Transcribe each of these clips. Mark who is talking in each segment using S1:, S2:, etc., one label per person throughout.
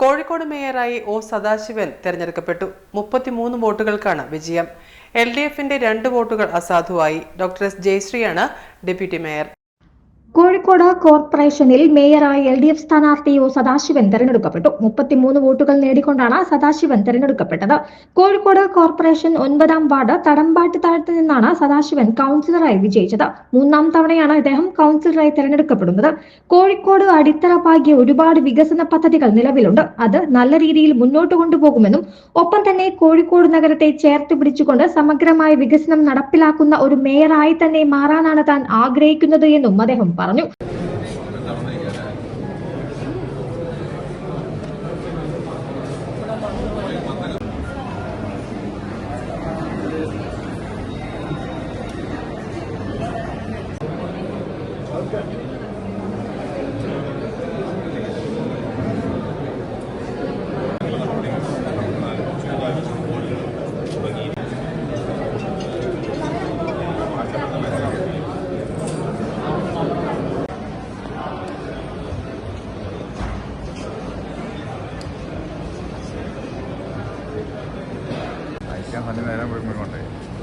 S1: Kozhikode മേയറായി O Sadasivan തെരഞ്ഞെടുക്കപ്പെട്ടു. 33 വോട്ടുകൾക്കാണ് വിജയം. LDFന്റെ 2 വോട്ടുകൾ അസാധുവായി. ഡോക്ടർ എസ് ജയശ്രീയാണ് ഡെപ്യൂട്ടി മേയർ.
S2: കോഴിക്കോട് കോർപ്പറേഷനിൽ മേയറായി LDF സ്ഥാനാർത്ഥി ഒ സദാശിവൻ തെരഞ്ഞെടുക്കപ്പെട്ടു. 33 വോട്ടുകൾ നേടിക്കൊണ്ടാണ് സദാശിവൻ തെരഞ്ഞെടുക്കപ്പെട്ടത്. കോഴിക്കോട് കോർപ്പറേഷൻ 9-ാം വാർഡ് തടമ്പാട്ട് താഴത്ത് നിന്നാണ് സദാശിവൻ കൗൺസിലറായി വിജയിച്ചത്. 3-ാം തവണയാണ് ഇദ്ദേഹം കൗൺസിലറായി തെരഞ്ഞെടുക്കപ്പെടുന്നത്. കോഴിക്കോട് അടിത്തറ പാകിയ ഒരുപാട് വികസന പദ്ധതികൾ നിലവിലുണ്ട്. അത് നല്ല രീതിയിൽ മുന്നോട്ട് കൊണ്ടുപോകുമെന്നും ഒപ്പം തന്നെ കോഴിക്കോട് നഗരത്തെ ചേർത്ത് പിടിച്ചുകൊണ്ട് സമഗ്രമായ വികസനം നടപ്പിലാക്കുന്ന ഒരു മേയറായി തന്നെ മാറാനാണ് താൻ ആഗ്രഹിക്കുന്നത് എന്നും അദ്ദേഹം പറഞ്ഞു.
S3: നേരം പോയിക്കൊണ്ടേ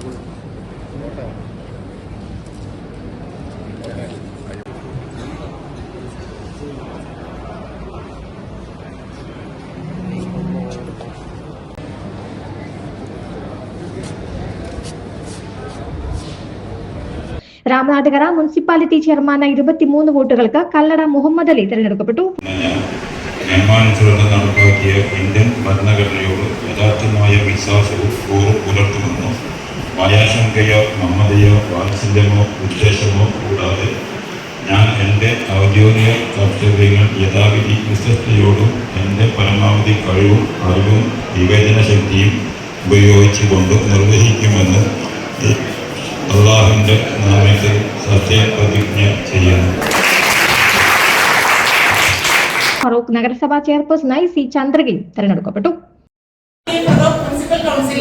S2: രാമനാട്ടുകര മുനിസിപ്പാലിറ്റി ചെയർമാനായി 23 വോട്ടുകൾക്ക് കല്ലട മുഹമ്മദ് അലി തെരഞ്ഞെടുക്കപ്പെട്ടു.
S4: നിയമാനുസൃതം നടപ്പാക്കിയ ഇന്ത്യൻ ഭരണഘടനയോട് യഥാർത്ഥമായ വിശ്വാസവും കൂറും പുലർത്തുമെന്നും ഭയാശങ്കയോ മമതയോ വാത്സല്യമോ ഉദ്ദേശമോ കൂടാതെ ഞാൻ എൻ്റെ ഔദ്യോഗിക കർത്തവ്യങ്ങൾ യഥാവിധി വിശ്വസ്തയോടും എൻ്റെ പരമാവധി കഴിവും അറിവും വിവേചന ശക്തിയും ഉപയോഗിച്ചുകൊണ്ട് നിർവഹിക്കുമെന്ന് അള്ളാഹുവിൻ്റെ നാമത്തിൽ സത്യപ്രതിജ്ഞ ചെയ്യുന്നു.
S2: ഫറൂഖ് നഗരസഭാ ചെയർപേഴ്സണായി സി ചന്ദ്രഗിരി തെരഞ്ഞെടുക്കപ്പെട്ടു.
S5: മുനിസിപ്പൽ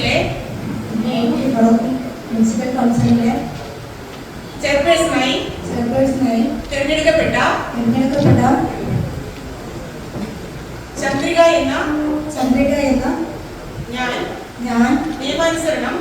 S5: കൗൺസിലിലെ ചെയർപേഴ്സണായി തിരഞ്ഞെടുക്കപ്പെട്ട ചന്ദ്രിക എന്ന ഞാൻ നിയമാനുസരണം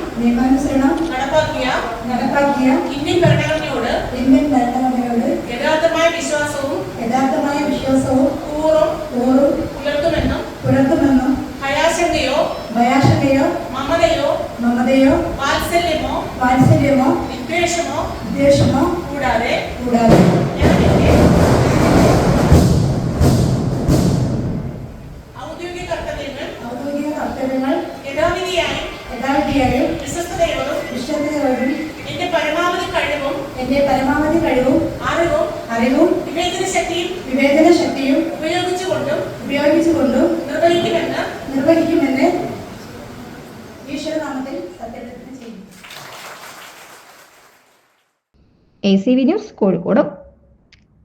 S5: നടപ്പാക്കിയ ഇന്ത്യൻ ഭരണഘടനയോട് യഥാർത്ഥമായ വിശ്വാസവും കൂറും പുലർത്തുമെന്നും ഭയാശങ്കയോ മമതയോ വാത്സല്യമോ വിദ്വേഷമോ കൂടാതെ ഞാൻ എന്റെ ഔദ്യോഗിക കർത്തവ്യങ്ങൾ യഥാവിധിയായും വിശ്വസ്തയോടും എന്റെ പരമാവധി കഴിവും അറിവും വിവേചന ശക്തിയും ഉപയോഗിച്ചുകൊണ്ടും നിർവഹിക്കുമെന്ന് ഈശ്വരനാമത്തിൽ സത്യപ്രതിജ്ഞ ചെയ്യുന്നു.
S2: ACV news Kozhikode.